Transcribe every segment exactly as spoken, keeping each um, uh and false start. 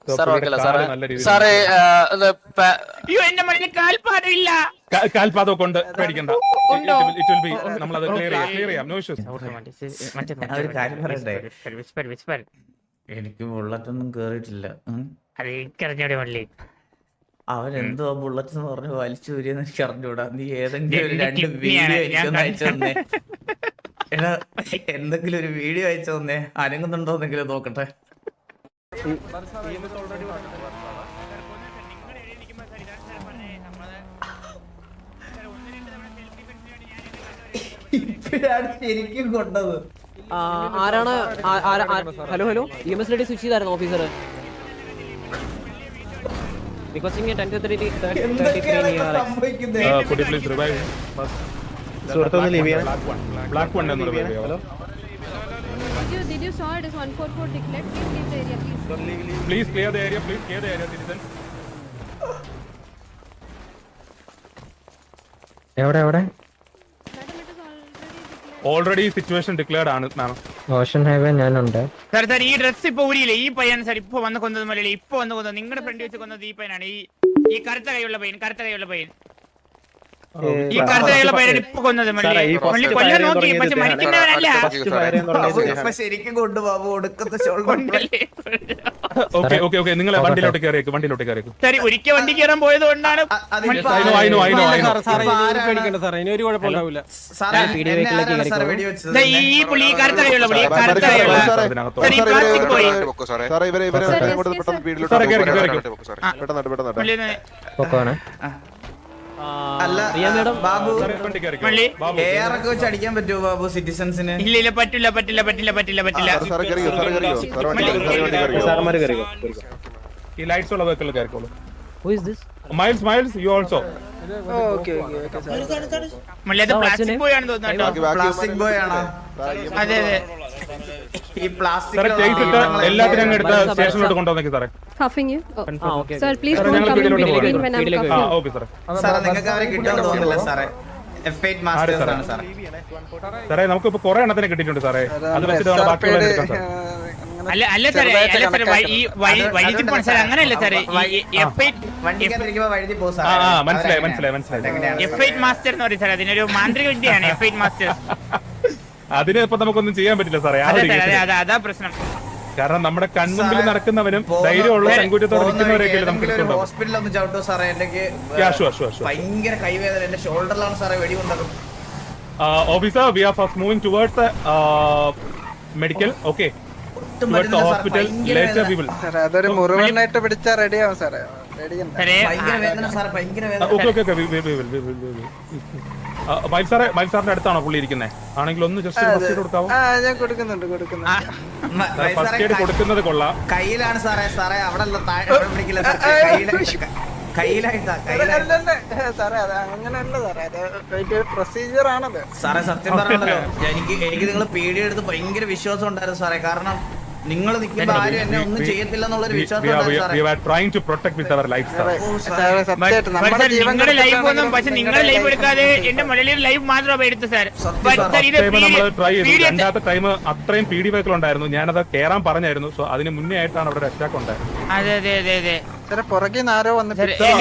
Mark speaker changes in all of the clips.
Speaker 1: കാൽപാദം കൊണ്ട് പേടിക്കണ്ട, നമ്മളത് ക്ലിയർ ചെയ്യാം. No issues.
Speaker 2: എനിക്ക് ബുള്ളറ്റൊന്നും കേറിയിട്ടില്ല. അവൻ
Speaker 3: Hmm.
Speaker 2: എന്തോ ബുള്ളറ്റ് എന്ന് പറഞ്ഞ് വലിച്ചു വരിയെന്ന് എനിക്ക് അറിഞ്ഞൂടാ. നീ ഏതെങ്കിലും ഒരു രണ്ട് വീഡിയോ എനിക്കൊന്ന് അയച്ചു തന്നേ. എടാ എന്തെങ്കിലും ഒരു വീഡിയോ അയച്ചു തന്നേ, അനങ്ങുന്നുണ്ടോന്നെങ്കിലും നോക്കട്ടെ. ഇപ്പഴാണ് ശരിക്കും കൊണ്ടത്.
Speaker 4: ആരാണ്? Hello hello E M S ലെഡി സ്വിച്ച് ചെയ്തായിരുന്നു officer. Requesting a ten to thirty thirty-three near.
Speaker 1: Uh, could you please revive him?
Speaker 5: സുഹൃത്ത് ഒന്ന് ലീവ് ചെയ്യാൻ.
Speaker 1: Black one എന്ന് revive ചെയ്യാമോ?
Speaker 6: Did you did you saw it is one forty-four declared? Please leave the area, please.
Speaker 1: Please clear the area. Please clear the area, citizens.
Speaker 5: എവിടെ എവിടെ?
Speaker 6: Madam, it is already declared.
Speaker 1: Already situation declared ആണ് മാം.
Speaker 5: Ocean highway ഞാനുണ്ട്.
Speaker 3: Sir sir ഈ dress ഇപ്പൊ ഊരിയില്ലേ? ഈ പയ്യൻ സാർ ഇപ്പൊ വന്ന് കൊന്നത് മലയാളി ഇപ്പൊ വന്ന് കൊന്നത് നിങ്ങളുടെ ഫ്രണ്ട് വെച്ച് കൊന്നത് ഈ പയ്യനാണ്. ഈ ഈ കറുത്ത കൈയുള്ള പയ്യൻ, കറുത്ത കൈയുള്ള പയ്യൻ, ഈ കറുത്ത കൈയുള്ള പയ്യൻ ഇപ്പൊ കൊന്നത് മലയാളി. മല്ലി കൊല്ലാൻ നോക്കി, പക്ഷെ മരിക്കുന്നവനല്ല.
Speaker 2: ശരിക്കും കൊണ്ടു ബാബു ഒടുക്കത്തെ ഷോൾഡർ.
Speaker 1: ഓക്കെ ഓക്കെ ഓക്കെ നിങ്ങൾ വണ്ടിയിലോട്ട് കയറിയേക്ക്, വണ്ടിയിലോട്ട് കയറിയേക്ക്.
Speaker 3: സാർ ഒരിക്കൽ വണ്ടി കയറാൻ പോയത് കൊണ്ടാണ്. ഈ പുള്ളി കറുത്ത കൈയുള്ള പുള്ളി, കറുത്ത കൈയുള്ള പ്ലാസ്റ്റിക് പോയി.
Speaker 2: അല്ല ബാബു എ ആർ ഒക്കെ വെച്ച് അടിക്കാൻ പറ്റുമോ ബാബു സിറ്റിസൺസിന്?
Speaker 3: ഇല്ല ഇല്ല പറ്റില്ല പറ്റില്ല പറ്റില്ല പറ്റില്ല പറ്റില്ല.
Speaker 1: ഈ ലൈറ്റ്സ് ഉള്ള വെഹിക്കിൾ കയറിക്കോളൂ.
Speaker 4: Who is this?
Speaker 1: Miles Miles you also.
Speaker 4: Okay okay okay sir.
Speaker 3: മല്ലി അത് പ്ലാസ്റ്റിക് ബോയ് ആണെന്ന് തോന്നുന്നു കേട്ടോ.
Speaker 2: പ്ലാസ്റ്റിക് ബോയ് ആണോ?
Speaker 3: അതെ അതെ.
Speaker 2: ഈ പ്ലാസ്റ്റിക്
Speaker 1: എല്ലാത്തിനും അങ്ങ് എടുത്ത് സ്റ്റേഷനിലോട്ട് കൊണ്ടുവന്നേക്ക് സാറേ.
Speaker 6: Cuffing you? Oh.
Speaker 4: Ah okay.
Speaker 6: Sir, please don't come in between when I'm
Speaker 1: ആ
Speaker 6: cuffing.
Speaker 1: ഓക്കെ സാറേ.
Speaker 2: സാറേ നിങ്ങൾക്ക് അവരെ കിട്ടുമെന്ന് തോന്നുന്നില്ല സാറേ. എഫ് എയ്റ്റ് മാസ്റ്റേഴ്സ് ആണ് സാറേ.
Speaker 1: സാറേ നമുക്ക് ഇപ്പൊ കുറെ എണ്ണത്തിനെ കിട്ടിയിട്ടുണ്ട് സാറേ. അത് വെച്ചിട്ട് നമ്മൾ ബാക്കിയുള്ള എടുക്കാം സാർ.
Speaker 3: അല്ല അല്ല സാറേ അല്ല സാറേ ഈ വഴി വഴിതി പോണ സാർ അങ്ങനെയല്ല സാറേ. എഫ് എയ്റ്റ്
Speaker 2: വണ്ടിക്കകത്തിരിക്കുമ്പോ വഴുതി പോകും
Speaker 1: ആ
Speaker 2: സാറേ.
Speaker 1: ആ മനസ്സിലായി മനസ്സിലായി മനസ്സിലായി.
Speaker 3: എഫ് എയ്റ്റ് മാസ്റ്റർ എന്ന് പറയും സാർ. അതിനൊരു മാന്ത്രിക വിദ്യയാണ് എഫ് എയ്റ്റ് മാസ്റ്റർ.
Speaker 1: അതിന് ഇപ്പൊ നമുക്കൊന്നും ചെയ്യാൻ പറ്റില്ല സാറേ.
Speaker 3: അതെ അതെ അതാ പ്രശ്നം.
Speaker 1: കാരണം നമ്മുടെ കൺമുമ്പിൽ നടക്കുന്നവനും ധൈര്യമുള്ള ചങ്കൂറ്റത്തോടെ നിൽക്കുന്നവരെയൊക്കെ നമുക്ക് കിട്ടുന്നുണ്ടോ?
Speaker 2: ഹോസ്പിറ്റലിൽ ഒന്ന് ചവിട്ടോ സാറേ. എനിക്ക് ഭയങ്കര കൈവേദന, എന്റെ ഷോൾഡറിലാണ് സാറേ വെടി കൊണ്ടത്.
Speaker 1: Officer we are first moving towards the medical. Okay towards the hospital. Later we will.
Speaker 7: അതൊരു മുറിവനായിട്ട് പിടിച്ചാ റെഡിയാവും സാറേ.
Speaker 2: ഭയങ്കര വേദന സാറേ, ഭയങ്കര വേദന.
Speaker 1: Okay okay okay we will we will. Mile സാറേ, മൈൽ സാറിന്റെ അടുത്താണോ പുള്ളി ഇരിക്കുന്നത്? ആണെങ്കിൽ ഒന്ന് ജസ്റ്റ് ഫസ്റ്റ് എയ്ഡ് കൊടുക്കാവോ?
Speaker 7: ഞാൻ കൊടുക്കുന്നുണ്ട് കൊടുക്കുന്നുണ്ട്.
Speaker 1: ഫസ്റ്റ് എയ്ഡ് കൊടുക്കുന്നത് കൊള്ളാം.
Speaker 2: കയ്യിലാണ് സാറേ. സാറേ അവിടെ പിടിക്കില്ല കയ്യിലായിട്ടാ.
Speaker 7: സാറേ അത് അങ്ങനെയല്ല സാറേ, അത് പ്രൊസീജിയർ ആണത്
Speaker 2: സാറേ. സത്യം പറഞ്ഞല്ലോ എനിക്ക് എനിക്ക് നിങ്ങൾ പേടി എടുത്ത് ഭയങ്കര വിശ്വാസം ഉണ്ടായിരുന്നു സാറേ. കാരണം നിങ്ങൾ നിൽക്കുമ്പോ ആരും എന്നെ ഒന്നും ചെയ്യത്തില്ല എന്നുള്ളൊരു വിശ്വാസം
Speaker 3: നിങ്ങളുടെ ലൈഫ് ഒന്നും. പക്ഷെ നിങ്ങളുടെ ലൈഫ് എടുക്കാതെ എന്റെ മുകളിൽ ലൈഫ് മാത്രമേ എടുത്തു സാർ.
Speaker 1: രണ്ടാമത്തെ ടൈം അത്രയും പി ഡി വെഹിക്കിൾ ഉണ്ടായിരുന്നു. ഞാനത് കേറാൻ പറഞ്ഞായിരുന്നു. സോ അതിന് മുന്നേ ആയിട്ടാണ് അവിടെ അറ്റാക്ക് ഉണ്ടായത്.
Speaker 3: അതെ അതെ അതെ അതെ
Speaker 7: സാറേ. പുറകെ ആരോ വന്ന്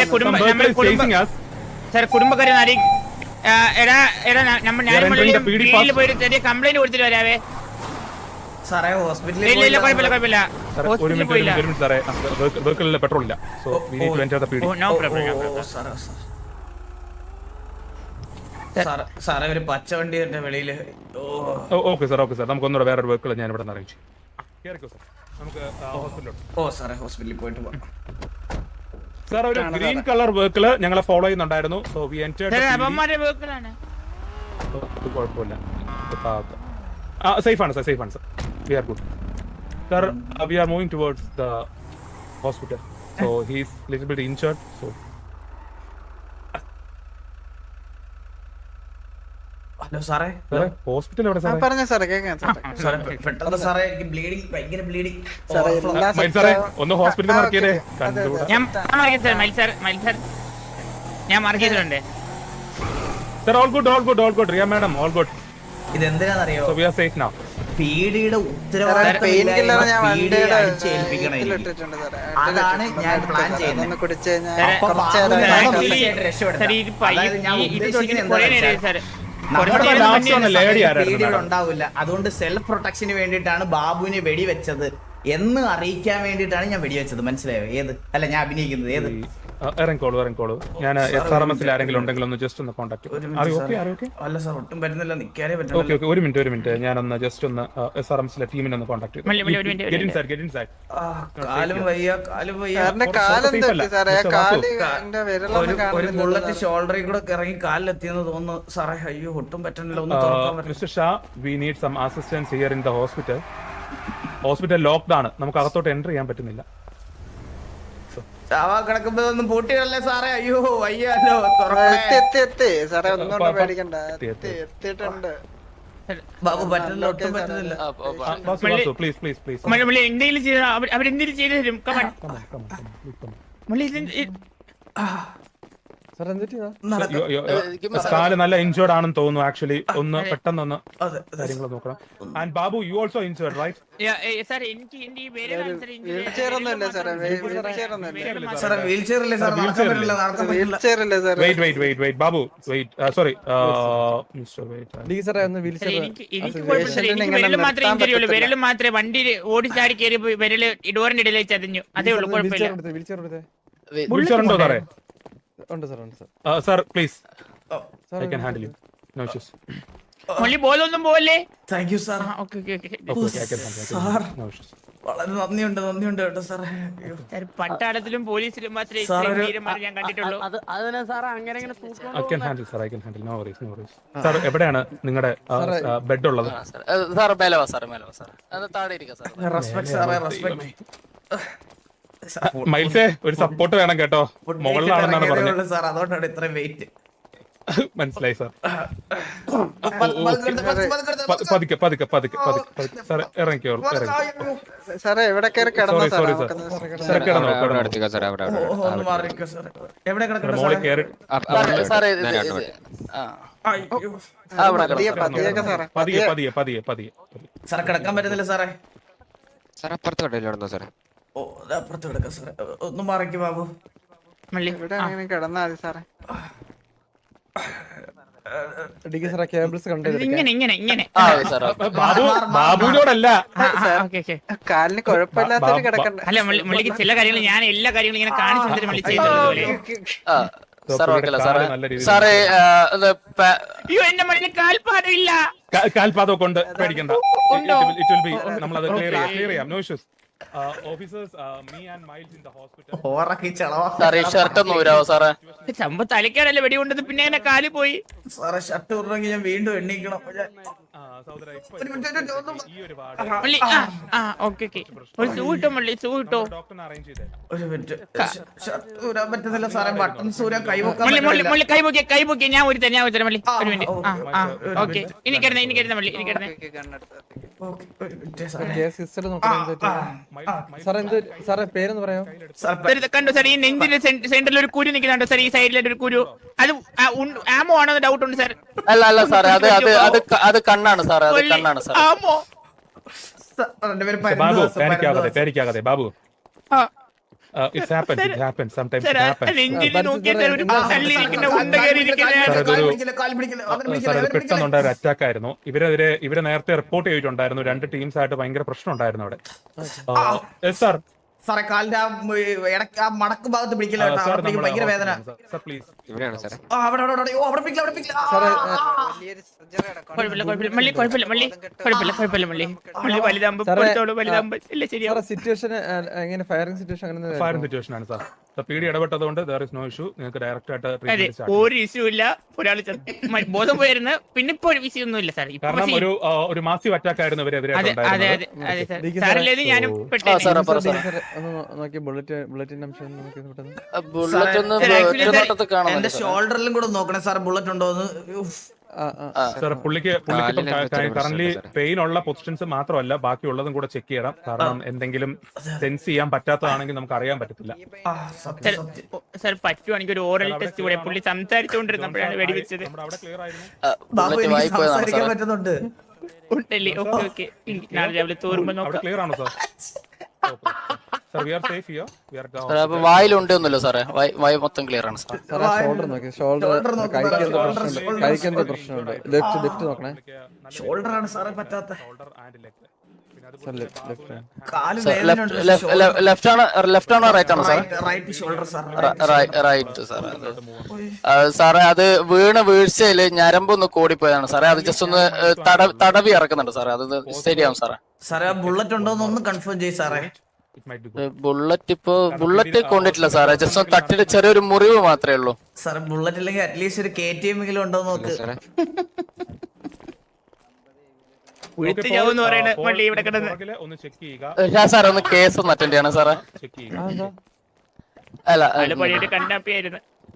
Speaker 3: സാർ കുടുംബക്കാരെ നാരി എടാ എടാ നമ്മൾ ഞാൻ മുകളിൽ പോയിട്ട് ചെറിയ കംപ്ലൈന്റ് കൊടുത്തിട്ട് വരാവേ
Speaker 2: സാറേ. ഹോസ്പിറ്റലിൽ
Speaker 1: പെട്രോൾ ഇല്ല. So we need to enter the PD.
Speaker 3: No problem.
Speaker 2: സാറേ ഒരു പച്ച വണ്ടി എന്റെ വെളിയില്.
Speaker 1: Okay sir okay sir. നമുക്ക് ഒന്നുകൂടെ വേറൊരു വെഹിക്കിൾ ഞാൻ ഇവിടെ നിന്ന് അറിയിച്ചു. നമുക്ക് ഹോസ്പിറ്റലിലോട്ട്.
Speaker 2: ഓ സാറേ ഹോസ്പിറ്റലിൽ പോയിട്ട് പോകാം
Speaker 1: സാർ. ഒരു ഗ്രീൻ കളർ വെഹിക്കിൾ ഞങ്ങളെ ഫോളോ ചെയ്യുന്നുണ്ടായിരുന്നു. So we entered. കുഴപ്പമില്ല, സേഫ് ആണ് സാർ, സേഫ് ആണ് sir. We are good sir. We are moving towards the hospital. So he is little bit injured. So
Speaker 2: hello സാറേ.
Speaker 1: ഹോസ്പിറ്റൽ എവിടെ സാറേ?
Speaker 7: പറഞ്ഞ സാറേ കേൾക്കാം സാറേ.
Speaker 2: പെട്ടെന്ന് സാറേ എനിക്ക് ബ്ലീഡിങ്, ഭയങ്കര ബ്ലീഡിങ്
Speaker 1: സാറേ. ഒന്ന് ഹോസ്പിറ്റലിൽ മാർക്ക് ചെയ്തേ.
Speaker 3: ഞാൻ ഞാൻ മാർക്ക് ചെയ്തിട്ടുണ്ട്
Speaker 1: sir. All good all good all good. Riya madam all good.
Speaker 2: ഇത് എന്തിനാണെന്നറിയോ?
Speaker 1: So we are safe now.
Speaker 2: പീഡിയുടെ
Speaker 7: പെയിൻ കില്ലർ ഞാൻ വണ്ടിയുടെ
Speaker 2: അടിച്ചേൽപ്പിക്കണം എനിക്ക്.
Speaker 7: ഇട്ടിട്ടുണ്ട് സാറേ.
Speaker 2: അതാണ് ഞാൻ പ്ലാൻ ചെയ്യുന്നത്.
Speaker 7: ഒന്ന് കുടിച്ച് കഴിഞ്ഞാൽ
Speaker 3: സാറേ,
Speaker 7: കുറച്ച് നേരം
Speaker 3: സാറേ,
Speaker 7: ഞാൻ
Speaker 3: actually,
Speaker 2: രക്ഷപ്പെടുത്താം.
Speaker 3: സാറേ, ഇത് പയ്യെ-
Speaker 2: അതായത് ഞാൻ
Speaker 3: ഈ- ഇത്
Speaker 2: ഉദ്ദേശിക്കുന്നത്
Speaker 3: കുറേ
Speaker 2: എന്താണെന്ന്
Speaker 3: നേരമായി
Speaker 2: വെച്ചാൽ
Speaker 3: സാറേ.
Speaker 2: നമ്മുടെ
Speaker 3: കുറച്ച്
Speaker 1: last
Speaker 3: നേരം
Speaker 1: one
Speaker 3: മുന്നേ
Speaker 1: ലേഡി ആരായിരുന്നു
Speaker 2: പീഡികൾ
Speaker 1: madam?
Speaker 2: ഉണ്ടാവില്ല. അതുകൊണ്ട് സെൽഫ് പ്രൊട്ടക്ഷന് വേണ്ടിയിട്ടാണ് ബാബുവിനെ വെടിവെച്ചത് എന്ന് അറിയിക്കാൻ വേണ്ടിയിട്ടാണ് ഞാൻ വെടിവെച്ചത്. മനസ്സിലായോ? ഏത് അല്ല ഞാൻ അഭിനയിക്കുന്നത് ഏത്?
Speaker 1: ഇറങ്ങിക്കോളൂ ഇറങ്ങിക്കോളൂ. ഞാൻ എസ് ആർ എം എസിൽ ആരെങ്കിലും ഉണ്ടെങ്കിൽ ഒന്ന് ജസ്റ്റ് ഒന്ന് കോൺടാക്ട്
Speaker 2: അല്ല സാർ ഒട്ടും പറ്റുന്നില്ല, നിൽക്കാനേ
Speaker 1: ഓക്കെ
Speaker 2: പറ്റില്ല.
Speaker 1: ഓക്കെ ഒരു മിനിറ്റ് ഒരു മിനിറ്റ് ഞാനൊന്ന് ജസ്റ്റ് ഒന്ന് എസ് ആർ എം എസിലെ ടീമിനെ ഒന്ന് കോൺടാക്ട്
Speaker 3: മള്ളി, മള്ളി, ഒരു minute, ഒരു minute.
Speaker 2: കാലും വയ്യ കാലും വയ്യ.
Speaker 7: സാറിന്റെ കാലം തെറ്റി സാറേ. ആ കാല് എന്റെ വിരലൊന്നും
Speaker 2: ഒരു ഒരു
Speaker 7: കാണുന്നില്ല
Speaker 2: ബുള്ളറ്റ് ഷോൾഡറിൽ കൂടെ ഇറങ്ങി കാലിലെത്തിയെന്ന് തോന്നുന്നു സാറേ. അയ്യോ ഒട്ടും പറ്റുന്നില്ല, ഒന്ന് തുറക്കാൻ പറ്റില്ല.
Speaker 1: Mister Shah we need some assistance here in the hospital. Hospital locked ആണ്, നമുക്ക് അകത്തോട്ട് എൻ്റർ ചെയ്യാൻ പറ്റുന്നില്ല.
Speaker 2: ചാവാ കിടക്കുമ്പോ ഒന്നും പൂട്ടിയല്ലേ സാറേ? അയ്യോ വയ്യാലോ, തുറക്കണേ.
Speaker 7: എത്തി എത്തി എത്തി സാറേ. ഒന്നും
Speaker 1: പ- പ-
Speaker 7: പേടിക്കണ്ട.
Speaker 1: എത്തി, എത്തി.
Speaker 7: എത്തി എത്തിയിട്ടുണ്ട്.
Speaker 2: ബാബു പറ്റുന്നില്ല, ഒട്ടും പറ്റുന്നില്ല.
Speaker 1: Basu Basu please please please
Speaker 3: Malli, Malli, എന്തെങ്കിലും ചെയ്ത അവരെന്തെങ്കിലും ചെയ്തു തരും. കമൺ മള്ളി, ഇത് ഇത്
Speaker 1: കാല് നല്ല ഇൻജേർഡ് ആണെന്ന് തോന്നുന്നു. ആക്ച്വലി ഒന്ന് പെട്ടെന്ന് ഒന്ന്
Speaker 2: അതെ, അതെ.
Speaker 1: കാര്യങ്ങൾ നോക്കണം. And Babu you also injured right?
Speaker 3: Yeah, ഏ, സാർ എനിക്ക് എന്റെ ഈ വിരലാണ് സാർ injury
Speaker 7: വീൽ ചെയർ ഒന്നും ഇല്ല സാറേ. വീൽ ചെയർ ഒന്നും ഇല്ല.
Speaker 3: വിരല്
Speaker 2: സാറേ വീൽ ചെയറില്ലേ സാർ? നടക്കാൻ പറ്റില്ല, നടക്കാൻ
Speaker 7: വീൽ
Speaker 2: പറ്റില്ല.
Speaker 7: ചെയർ ഇല്ല സാറേ.
Speaker 1: Wait wait wait wait Babu wait sorry mister wait
Speaker 3: sir, എനിക്ക് എനിക്ക് കുഴപ്പമില്ല സാർ. എനിക്ക് വിരല് മാത്രമേ ഇഞ്ചറി ഉള്ളൂ. വിരല് മാത്രമേ വണ്ടി ഓടി ചാടി കയറി വിരല് ഡോറിന്റെ ഇടയിലേക്ക് ചതഞ്ഞു. അതേ ഉള്ളൂ, കുഴപ്പമില്ല.
Speaker 1: വിളിച്ചോ സാറേ? Sir please I can handle you, no issues.
Speaker 3: Malli ബോലൊന്നും പോവല്ലേ?
Speaker 2: Thank you sir.
Speaker 3: Okay okay okay
Speaker 2: sir
Speaker 1: no issues.
Speaker 2: വളരെ നന്ദിയുണ്ട്, നന്ദിയുണ്ട് കേട്ടോ സാറേ. അയ്യോ.
Speaker 3: സാർ, പട്ടാളത്തിലും പോലീസിലും മാത്രമേ
Speaker 2: സാർ,
Speaker 3: ഇത്രയും
Speaker 2: ഒരു-
Speaker 3: ധീരന്മാരെ ഞാൻ കണ്ടിട്ടുള്ളൂ.
Speaker 1: I can handle sir, I can handle, no worries no worries. Sir എവിടെയാണ് നിങ്ങളുടെ ബെഡ് ഉള്ളത്?
Speaker 8: സാർ മേലെ വാ സാർ, മേലെ വാ സാർ. അത് താഴെ ഇരിക്കാം സാർ.
Speaker 2: റെസ്പെക്ട് സാറേ, റെസ്പെക്ട്.
Speaker 1: മൈൽസേ ഒരു സപ്പോർട്ട് വേണം കേട്ടോ. മുകളിലാണെന്നാണ് പറഞ്ഞത്.
Speaker 2: സാർ അതുകൊണ്ടാണ് ഇത്രയും വെയിറ്റ്.
Speaker 1: മനസ്സിലായി സാർ. പതുക്കെ പതുക്കെ പതുക്കെ പതുക്കെ സാർ ഇറങ്ങിക്കോളൂ ഇറങ്ങി.
Speaker 7: സാറേ എവിടെ കയറി കിടന്നു
Speaker 1: സോറി
Speaker 7: സാറേ?
Speaker 1: Sorry sir.
Speaker 7: നമുക്കൊന്ന്
Speaker 1: സാർ കിടന്നോ
Speaker 8: അവിടെ
Speaker 1: കിടന്നോ.
Speaker 8: അടുത്തേക്ക് സാർ, അവിടെ അവിടെ
Speaker 2: ഒന്ന് മാറി നിൽക്കുക സാറേ. എവിടെ കിടക്കട്ടെ
Speaker 1: മോളിൽ
Speaker 2: സാറേ?
Speaker 1: കയറി
Speaker 8: സാറേ, സാറേ ഇത് ഇത് ആ
Speaker 2: അയ്യോ.
Speaker 8: ആ, അവിടെ
Speaker 7: പതിയെ
Speaker 8: കിടക്കാം.
Speaker 7: പതിയൊക്കെ സാറേ.
Speaker 1: പതിയെ പതിയെ പതിയെ പതിയെ പതിയെ.
Speaker 2: സാറേ കിടക്കാൻ പറ്റുന്നില്ല സാറേ.
Speaker 8: സാർ അപ്പുറത്ത് കടയിലാണെന്നോ സാറേ?
Speaker 2: ഓ ദാ അപ്പുറത്ത് കിടക്കാം സാറേ. ഒന്ന് മാറിക്ക് ബാബു.
Speaker 3: മള്ളി,
Speaker 7: ഇവിടെ അങ്ങനെ കിടന്നാ മതി സാറേ.
Speaker 3: ഇങ്ങനെ ഇങ്ങനെ ഇങ്ങനെ
Speaker 8: ആ സാർ.
Speaker 1: ബാബു ബാബുവിനോടല്ല.
Speaker 3: Okay okay.
Speaker 7: കാലിന് കുഴപ്പമില്ലാത്തൊരു കിടക്കണ്ട.
Speaker 3: അല്ല, മള്ളി, മള്ളിക്ക് ചില കാര്യങ്ങൾ ഞാൻ എല്ലാ കാര്യങ്ങളും ഇങ്ങനെ കാണിച്ചു തന്നിട്ട് മള്ളി ചെയ്തതുപോലെ.
Speaker 8: ആ സാർ ഓക്കെ അല്ല സാറേ?
Speaker 1: നല്ല രീതിയിൽ
Speaker 8: സാറേ ഇത് പ-
Speaker 3: അയ്യോ, എന്റെ മള്ളിന് കാൽപാദം ഇല്ല.
Speaker 1: കാൽപാദം കൊണ്ട് പേടിക്കണ്ട.
Speaker 3: ഉണ്ടോ?
Speaker 1: ഇറ്റ് വിൽ ബി നമ്മളത് ക്ലിയർ ചെയ്യാം ക്ലിയർ ചെയ്യാം. No issues. Officers me and Miles in the hospital.
Speaker 2: ഓറക്കി ചളവാ
Speaker 8: സാറേ ഈ ഷർട്ട് ഒന്ന് ഊരാവോ സാറേ?
Speaker 3: ചമ്പ തലക്കാടല്ലേ വെടി കൊണ്ടത്, പിന്നെ എങ്ങനെ കാല് പോയി?
Speaker 2: സാറേ. ഷർട്ട് ഉറങ്ങി ഞാൻ വീണ്ടും എണ്ണിക്കണം.
Speaker 1: സഹോദരാ ഇപ്പോ
Speaker 2: ഒരു മിനിറ്റ്, ഒരു മിനിറ്റ്,
Speaker 1: ഈ ഒരു വാർഡ്
Speaker 3: മള്ളി, ആ ആ ഓക്കെ ഓക്കെ. ഒരു സൂ കിട്ടോ മള്ളി, സൂ കിട്ടോ?
Speaker 1: ഡോക്ടറിനെ അറേഞ്ച് ചെയ്തേ.
Speaker 2: ഒരു മിനിറ്റ്. ഷർട്ട് ഊരാൻ പറ്റുന്നില്ല സാറേ. ബട്ടൺസ് ഊരാൻ കൈവക്കാൻ
Speaker 3: മള്ളി, മള്ളി,
Speaker 2: പറ്റില്ല.
Speaker 3: മള്ളി, കൈ പൊക്കിയ കൈ പൊക്കിയ ഞാൻ ഒരു തരാം, ഞാൻ ഒരു തരാം മള്ളി. ഒരു മിനിറ്റ്. ആ ആ ഓക്കെ. ഇനി കിടന്നേ, ഇനി കിടന്നേ മള്ളി, ഇനി കിടന്നേ.
Speaker 2: ഓക്കേ, ഒരു മിനിറ്റ് സാറേ. സാർ,
Speaker 3: സാർ, ഇത് കണ്ടോ സാർ? ഈ നെഞ്ചിന്റെ സെന്ററിൽ ഒരു കുരു നിൽക്കുന്നുണ്ടോ സാർ? ഈ സൈഡിലായിട്ട് ഒരു കുരു. അത് ആമോ ആണോ ഡൗട്ട് ഉണ്ട് സാർ.
Speaker 8: അല്ല അല്ല സാറേ, അത് അത് അത് ക- അത് കണ്ണാണ് സാറേ, അത് കണ്ണാണ് സാർ.
Speaker 3: ആമോ?
Speaker 2: സാർ, എന്റെ പേര്
Speaker 1: ബാബു
Speaker 2: പരന്തുവാസ,
Speaker 1: പേടിക്കാതെ
Speaker 2: പരന്തുവാസ.
Speaker 1: പേടിക്കാതെ ബാബു.
Speaker 3: ആ
Speaker 1: it's happens it happens sometimes
Speaker 3: sir,
Speaker 1: it
Speaker 3: ah
Speaker 1: happens.
Speaker 3: നെഞ്ചിൽ നോക്കിയാൽ സാർ ഒരു തള്ളിയിരിക്കുന്ന ഉണ്ട
Speaker 2: കാൽ
Speaker 3: കയറിയിരിക്കുന്ന.
Speaker 2: പിടിക്കില്ല,
Speaker 1: അതൊരു-
Speaker 2: കാൽ പിടിക്കില്ല, കാൽ പിടിക്കില്ല, അവനെ
Speaker 1: സാർ
Speaker 2: പിടിക്കില്ല,
Speaker 1: ഇത്
Speaker 2: അവനെ പിടിക്കില്ല.
Speaker 1: പെട്ടെന്നുണ്ടായ ഒരു അറ്റാക്ക് ആയിരുന്നു. ഇവരെതിരെ ഇവരെ നേരത്തെ റിപ്പോർട്ട് ചെയ്തിട്ടുണ്ടായിരുന്നു. രണ്ട് ടീംസ് ആയിട്ട് ഭയങ്കര പ്രശ്നം ഉണ്ടായിരുന്നു അവിടെ. സാർ
Speaker 2: സാറേ കാലിന്റെ ആ ഉം, ഇടയ്ക്ക് ആ മടക്ക് ഭാഗത്ത് പിടിക്കില്ല കേട്ടോ.
Speaker 1: സാർ
Speaker 2: അവിടെ പിടിക്കും, ഭയങ്കര വേദന.
Speaker 1: Sir please.
Speaker 8: ഇവിടെയാണ് സാറേ.
Speaker 2: ആ അവിടെ അവിടെ അവിടെ ഓ, അവിടെ പിടിക്കില്ല, അവിടെ പിടിക്കില്ല. ആ, ആ, ആ.
Speaker 7: വലിയൊരു surgery കിടക്കണം.
Speaker 3: കുഴപ്പമില്ല കുഴപ്പമില്ല മള്ളി, കുഴപ്പമില്ല മള്ളി, കുഴപ്പമില്ല കുഴപ്പമില്ല മള്ളി. മള്ളി വലുതാകുമ്പോ കൊടുത്തോളൂ, വലുതാകുമ്പോ ഇല്ല ശരിയാവും.
Speaker 5: സിറ്റുവേഷൻ എങ്ങനെ ഫയറിംഗ് സിറ്റുവേഷൻ അങ്ങനെ
Speaker 1: ഫയറിംഗ് സിറ്റുവേഷൻ ആണ് സാർ. പീഡി ഇടപെട്ടതുകൊണ്ട് there is no issue. നിങ്ങൾക്ക് ഡയറക്റ്റ് ആയിട്ട്
Speaker 3: അതെ,
Speaker 1: ട്രീറ്റ്മെന്റ് സ്റ്റാർട്ട് ചെയ്യാം.
Speaker 3: ഒരു ഇഷ്യൂ ഇല്ല. ഒരാൾ ബോധം പോയിരുന്നു, പിന്നെ ഇപ്പൊ ഒരു വിഷയം ഒന്നും ഇല്ല സാർ. ഇപ്പൊ
Speaker 1: കാരണം
Speaker 3: പക്ഷേ-
Speaker 1: ഒരു ആ, ഒരു മാസീവ് അറ്റാക്ക് ആയിരുന്നു ഇവരെതിരെ
Speaker 3: അതെ അതെ അതെ അതെ സാർ. സാറിലേത് ഞാനും
Speaker 8: ആ
Speaker 3: പെട്ടെന്ന്.
Speaker 8: സാറേ പറ സാറേ.
Speaker 5: ഒന്ന് നോക്കി ബുള്ളറ്റ് ബുള്ളറ്റിന്റെ അംശം നമുക്ക് പെട്ടെന്ന്
Speaker 8: ആ, ബുള്ളറ്റ് ഒന്ന്
Speaker 3: സാറേ, actually
Speaker 8: ഒറ്റ
Speaker 3: സാർ,
Speaker 8: നോട്ടത്തിൽ കാണുന്നുണ്ട്
Speaker 2: എന്റെ
Speaker 8: സാറേ.
Speaker 2: ഷോൾഡറിലും കൂടെ നോക്കണേ സാർ, ബുള്ളറ്റ് ഉണ്ടോ എന്ന്. ഉഫ്.
Speaker 5: ആ ആ
Speaker 8: ആ,
Speaker 1: സാർ പുള്ളിക്ക് പുള്ളിക്ക്
Speaker 8: കാലിന് എന്തൊരു
Speaker 1: കറന്റ്
Speaker 8: പ്രശ്നമുണ്ട് സാറേ.
Speaker 1: പെയിൻ ഉള്ള പൊസിഷൻസ് മാത്രമല്ല ബാക്കിയുള്ളതും കൂടെ ചെക്ക് ചെയ്യണം. കാരണം എന്തെങ്കിലും സെൻസ് ചെയ്യാൻ പറ്റാത്തതാണെങ്കിൽ നമുക്ക് അറിയാൻ പറ്റത്തില്ല.
Speaker 2: ആ, സത്യം,
Speaker 3: സാർ,
Speaker 2: സത്യം.
Speaker 3: ഓ, സാർ പറ്റുവാണെങ്കിൽ ഒരു ഓറൽ ടെസ്റ്റ് കൂടെ. പുള്ളി സംസാരിച്ചുകൊണ്ടിരുന്നപ്പോഴാണ് വെടിവെച്ചത്.
Speaker 1: നമ്മുടെ അവിടെ ക്ലിയർ ആയിരുന്നു.
Speaker 8: ആ,
Speaker 2: ബാബു
Speaker 8: ബുള്ളറ്റ്
Speaker 2: എനിക്ക്
Speaker 8: വായിപ്പോയതാണ്
Speaker 2: സംസാരിക്കാൻ
Speaker 8: സാറേ.
Speaker 2: പറ്റുന്നുണ്ട്.
Speaker 3: ഉണ്ടല്ലേ ഓക്കെ ഓക്കെ നാളെ രാവിലെ തോറുമ്പോ
Speaker 1: അവിടെ
Speaker 3: നോക്കാം.
Speaker 1: ക്ലിയർ ആണോ sir? Sir we are safe here. We are
Speaker 8: സാറേ അപ്പൊ വായിലുണ്ട് ഒന്നുമില്ല സാറേ, വായ് വായ് മൊത്തം ക്ലിയർ ആണ് സാർ.
Speaker 5: സാറേ ഷോൾഡർ നോക്കി, ഷോൾഡർ
Speaker 2: Shoulder നോക്ക് സാറേ,
Speaker 5: കഴിക്കുന്ന
Speaker 2: shoulder,
Speaker 5: പ്രശ്നമുണ്ട്,
Speaker 2: shoulder,
Speaker 5: കഴിക്കുന്ന
Speaker 2: shoulder.
Speaker 5: പ്രശ്നമുണ്ട്. ലെഫ്റ്റ് ലെഫ്റ്റ് നോക്കണേ
Speaker 2: ഷോൾഡർ ആണ് സാറേ പറ്റാത്ത.
Speaker 5: സാർ ലെഫ്റ്റ് ലെഫ്റ്റ്
Speaker 2: കാല്
Speaker 8: ലെഫ്റ്റ്
Speaker 2: വേദനയുണ്ട്.
Speaker 8: ലെഫ്റ്റ് ആണ് ലെഫ്റ്റ് ആണോ റൈറ്റ് ആണോ sir?
Speaker 2: Right shoulder sir.
Speaker 8: Right സാറേ. അത് സാറേ അത് വീണ വീഴ്ചയില് ഞരമ്പൊന്ന് കൂടിപ്പോയതാണ് സാറേ. അത് ജസ്റ്റ് ഒന്ന് തട തടവി ഇറക്കുന്നുണ്ട് സാറേ. അത് ശരിയാവും സാറേ.
Speaker 2: സാറേ ആ ബുള്ളറ്റ് ഉണ്ടോന്ന് ഒന്ന് കൺഫേം ചെയ്യ് സാറേ.
Speaker 8: ബുള്ളറ്റ് ഇപ്പൊ ബുള്ളറ്റ് കൊണ്ടിട്ടില്ല സാറേ, ജസ്റ്റ് ഒന്ന് തട്ടിട്ട് ചെറിയൊരു മുറിവ് മാത്രമേ ഉള്ളൂ
Speaker 2: സാറേ ബുള്ളറ്റ് ഇല്ലെങ്കിൽ അറ്റ്ലീസ്റ്റ് ഒരു കെ ടി എം എങ്കിലും ഉണ്ടോ നോക്ക്.
Speaker 3: ഉയർത്തിയാവെന്ന് പറയണ വള്ളി ഇവിടെ കിടന്ന്
Speaker 1: ഒന്ന് ചെക്ക് ചെയ്യുക.
Speaker 8: ഞാൻ സാറേ ഒന്ന് കേസ് ഒന്ന് അറ്റൻഡ് ചെയ്യണം സാറേ.
Speaker 1: ചെക്ക് ചെയ്യുക.
Speaker 8: അല്ല
Speaker 3: നല്ല പണിയായിട്ട് കണ്ടാപ്പിയായിരുന്നു.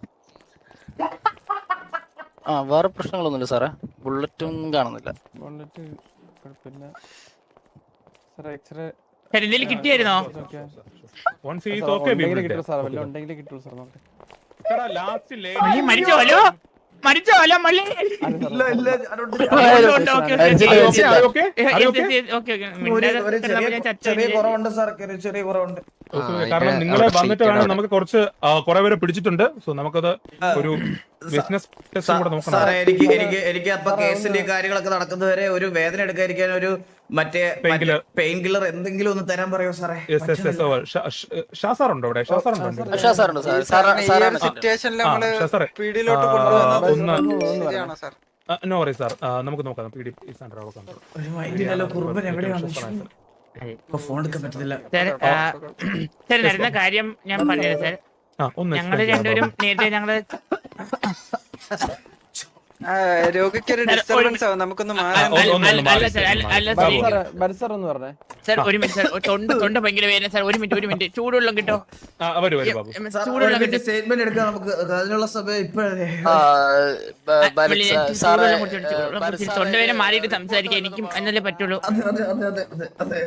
Speaker 8: ആ വേറെ പ്രശ്നങ്ങളൊന്നുമില്ല സാറേ, ബുള്ളറ്റും കാണുന്നില്ല.
Speaker 5: ബുള്ളറ്റ് കുഴപ്പമില്ല സാറേ. എക്സ്റേ
Speaker 3: സാർ എന്തെങ്കിലും കിട്ടിയായിരുന്നോ?
Speaker 1: Once he is okay, we will
Speaker 5: കിട്ടും
Speaker 1: take.
Speaker 5: സാർ, വല്ല ഉണ്ടെങ്കിൽ കിട്ടും സാർ. നോക്കട്ടെ.
Speaker 1: Sir, ആ last lady-
Speaker 3: മള്ളി മരിച്ചോ? ഹലോ മരിച്ചോ? ഹലോ മള്ളി
Speaker 2: ഇല്ല ഇല്ല അതുകൊണ്ട്
Speaker 3: ഉണ്ട്, ഓക്കെ, ഓക്കെ.
Speaker 8: മരിച്ചില്ല,
Speaker 1: Are you okay?
Speaker 8: മരിച്ചില്ല.
Speaker 1: Are you okay?
Speaker 3: ഏ,
Speaker 1: Are you
Speaker 3: എന്ത്
Speaker 1: okay?
Speaker 3: എന്ത് ഓക്കെ ഓക്കെ
Speaker 2: ഒരു
Speaker 3: മിണ്ടാതെ
Speaker 2: ഒരു
Speaker 3: കിടന്നപ്പോ
Speaker 2: ചെറിയ
Speaker 3: ഞാൻ ചത്ത
Speaker 2: ചെറിയ
Speaker 3: കഴിഞ്ഞ്.
Speaker 2: കുറവുണ്ട് സാർ, ഒരു ചെറിയ കുറവുണ്ട്.
Speaker 1: Okay, കാരണം നിങ്ങൾ വന്നിട്ട് വേണം, നമുക്ക് കുറച്ച് ആ, കുറെ പേരെ പിടിച്ചിട്ടുണ്ട്. സോ നമുക്കത് ഒരു ബിസിനസ് ടെസ്റ്റ് കൂടെ നോക്കണം.
Speaker 2: സാറേ എനിക്ക് എനിക്ക് എനിക്ക് അപ്പൊ കേസിന്റെ കാര്യങ്ങളൊക്കെ നടക്കുന്നവരെ ഒരു വേദന എടുക്കാതിരിക്കാൻ ഒരു മറ്റേ
Speaker 1: Painkiller.
Speaker 2: പെയിൻ കില്ലർ എന്തെങ്കിലും ഒന്ന് തരാൻ പറയോ സാറേ?
Speaker 1: Yes yes yes over. Shah sir ഉണ്ടോ ഇവിടെ? ഷാ സാർ ഉണ്ടോ?
Speaker 8: ഷാ സാറുണ്ട് സാർ. സാറാണ് സാറാണ്
Speaker 7: സിറ്റുവേഷനിൽ
Speaker 1: ആ,
Speaker 7: നമ്മള്
Speaker 1: ഷാ സാറേ.
Speaker 7: പീടിയിലോട്ട്
Speaker 1: ആ,
Speaker 7: കൊണ്ടുവന്നത്
Speaker 1: ഒന്ന്
Speaker 7: ശരിയാണോ സാർ?
Speaker 1: നോ വറി സാർ, നമുക്ക് നോക്കാം. P D is under our control.
Speaker 2: ഒരു മൈൻഡിലല്ലോ കുറുമ്പൻ എവിടെയാണ്? ഇപ്പൊ ഫോൺ എടുക്കാൻ പറ്റത്തില്ല.
Speaker 3: സാർ ആ, സാർ നടന്ന കാര്യം ഞാൻ പറഞ്ഞുതരാം സാർ.
Speaker 1: ആ, ഒന്ന്
Speaker 3: ഞങ്ങള്
Speaker 1: explain ചെയ്യാമോ?
Speaker 3: രണ്ടുപേരും നേരത്തെ ഞങ്ങള്
Speaker 7: ആ, രോഗിക്ക് ഒരു
Speaker 3: സാർ, ഒരു
Speaker 7: ഡിസ്റ്റർബൻസ് ആവും, നമുക്കൊന്ന്
Speaker 1: ആ,
Speaker 7: മാറാൻ
Speaker 1: ഒന്ന് ഒന്ന്
Speaker 3: അല്ല
Speaker 1: മാറി
Speaker 3: സാർ അല്ല അല്ല
Speaker 1: ബാബു.
Speaker 3: സാർ
Speaker 5: സാറേ ബരി സാർ ഒന്ന് പറഞ്ഞേ.
Speaker 3: സാർ ഒരു മിനിറ്റ് സാർ, തൊണ്ട തൊണ്ട ഭയങ്കര വേദന സാർ. ഒരു മിനിറ്റ് ഒരു മിനിറ്റ് ചൂടുവെള്ളം കിട്ടോ?
Speaker 1: ആ, വരൂ വരൂ ബാബു.
Speaker 3: ചൂടുവെള്ളം കിട്ടും.
Speaker 2: സ്റ്റേറ്റ്മെന്റ് എടുക്കാൻ നമുക്ക് അതിനുള്ള സമയം ഇപ്പോഴേ.
Speaker 8: ആ, ബ- ബലി- സാ- സാറേ
Speaker 3: ചൂടുവെള്ളം കുടിച്ചിട്ട് ചൂടുവെള്ളം കുടിച്ചിട്ട് തൊണ്ടവേദന മാറിയിട്ട് സംസാരിക്കാൻ എനിക്കും എന്നല്ലേ പറ്റുള്ളൂ.
Speaker 2: അതെ അതെ അതെ അതെ അതെ അതെ.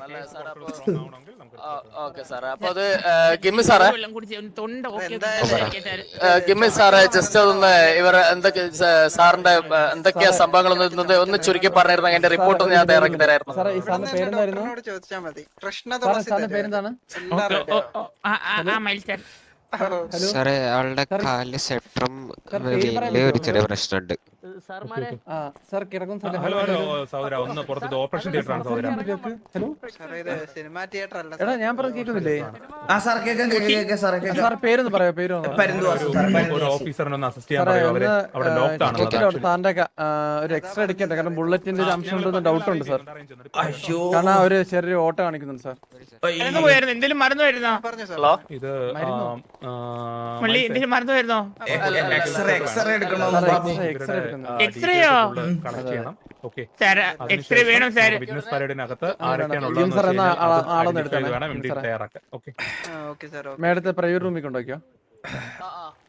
Speaker 8: ഓക്കെ സാറേ. അപ്പൊ അത് ആ, ഗിമ്മി സാറേ,
Speaker 3: വെള്ളം കുടിച്ച് ഒന്ന് തൊണ്ട ഓക്കെ സംസാരിക്കാൻ സാർ.
Speaker 8: ആ, ഗിമ്മി സാറേ ജസ്റ്റ് അതൊന്ന് ഇവർ എന്തൊക്കെ സാ- സാറിന്റെ ആ, എന്തൊക്കെയാ സംഭവങ്ങളൊന്നും ഒന്ന് ഒന്ന് ചുരുക്കി പറഞ്ഞിരുന്നെങ്കിൽ എന്റെ റിപ്പോർട്ട് ഒന്ന് ഞാൻ തയ്യാറാക്കി തരായിരുന്നു.
Speaker 5: സാറേ ഈ സാറിന്റെ പേരെന്തായിരുന്നു?
Speaker 7: ഡോക്ടറിനോട് ചോദിച്ചാൽ മതി. കൃഷ്ണ
Speaker 5: സാറേ
Speaker 7: തുളസി
Speaker 5: സാറിന്റെ
Speaker 7: തരും.
Speaker 5: പേരെന്താണ്?
Speaker 7: എല്ലാം
Speaker 3: ഓ,
Speaker 7: ready
Speaker 3: ഓ,
Speaker 7: ആ.
Speaker 3: ഓ, ആ, ആ, ആ, മയിൽ സാർ.
Speaker 5: ഹലോ
Speaker 9: സാറേ ആളുടെ
Speaker 5: സാർ,
Speaker 9: കാലില് സെപ്ട്രം
Speaker 5: സാർ, പേര് പറയാൻ
Speaker 9: വീലില് ഒരു
Speaker 5: പറ്റുമോ?
Speaker 9: ചെറിയ പ്രശ്നമുണ്ട്.
Speaker 5: ആ സാർ കിടക്കും സാർ.
Speaker 1: ഹലോ ഹലോ സഹോദര, ഒന്ന് പുറത്ത് ഓപ്പറേഷൻ തിയേറ്റർ ആണ് സഹോദര.
Speaker 5: ഹലോ
Speaker 7: സാറേ ഇത് സിനിമാ തിയേറ്റർ അല്ല
Speaker 5: എടാ ഞാൻ പറഞ്ഞ കേൾക്കുന്നില്ലേ?
Speaker 2: ആ സാർ കേൾക്കാം കേൾക്കാം കേൾക്കാം സാറേ കേൾക്കാം.
Speaker 5: സാർ പേരൊന്ന് പറയായോ? പേര് ഒന്ന് പറ.
Speaker 2: പരുന്തുവാസു സാർ,
Speaker 1: ഒരു
Speaker 2: പരുന്തുവാസു.
Speaker 1: ഓഫീസറിനെ ഒന്ന് അസിസ്റ്റ് ചെയ്യാൻ
Speaker 5: സാറേ
Speaker 1: പറയൂ. അവര്
Speaker 5: ഒന്ന്
Speaker 1: അവിടെ ലോക്ക്ഡ് ആണ്.
Speaker 5: ചെക്കിലോട്ട് സാറിന്റെ ക- ആ, ഒരു എക്സ്ട്രാ അടിക്കട്ടെ, കാരണം ബുള്ളറ്റിന്റെ ഒരു അംശം ഉണ്ടെന്ന് ഡൗട്ട് ഉണ്ട് സാർ.
Speaker 2: അയ്യോ
Speaker 5: കാരണം ഒരു ചെറിയ ഓട്ട കാണിക്കുന്നുണ്ട് സാർ.
Speaker 3: മറന്നു പോയായിരുന്നു, എന്തെങ്കിലും മറന്നു വരുന്നോ?
Speaker 7: പറഞ്ഞു സാർ.
Speaker 1: ഇത്
Speaker 3: മള്ളി എന്തെങ്കിലും മറന്നു വരുന്നോ?
Speaker 2: എക്സ്റേ എക്സ്റേ എടുക്കണോ?
Speaker 5: സാറേ എക്സ്ട്രാ എക്സ്ട്രാ എടുക്കുന്നു.
Speaker 3: എക്സ്റേയോ?
Speaker 1: കണക്ട് ചെയ്യണം. ഓക്കെ,
Speaker 3: സാർ എക്സ്റേ വേണം സാർ.
Speaker 1: ബിസിനസ് പരേഡിനകത്ത്
Speaker 5: ജിം സാർ എന്നാ ആളെ- ആളൊന്ന് എടുത്തേ.
Speaker 1: വേണം എം ഡി തയ്യാറാക്കാൻ. ഓക്കെ,
Speaker 7: ആ, ഓക്കെ സാർ, ഓക്കെ.
Speaker 5: മേഡത്തെ പ്രൈവറ്റ് റൂമിൽ കൊണ്ടുവയ്ക്കോ.
Speaker 8: ആ, ആ.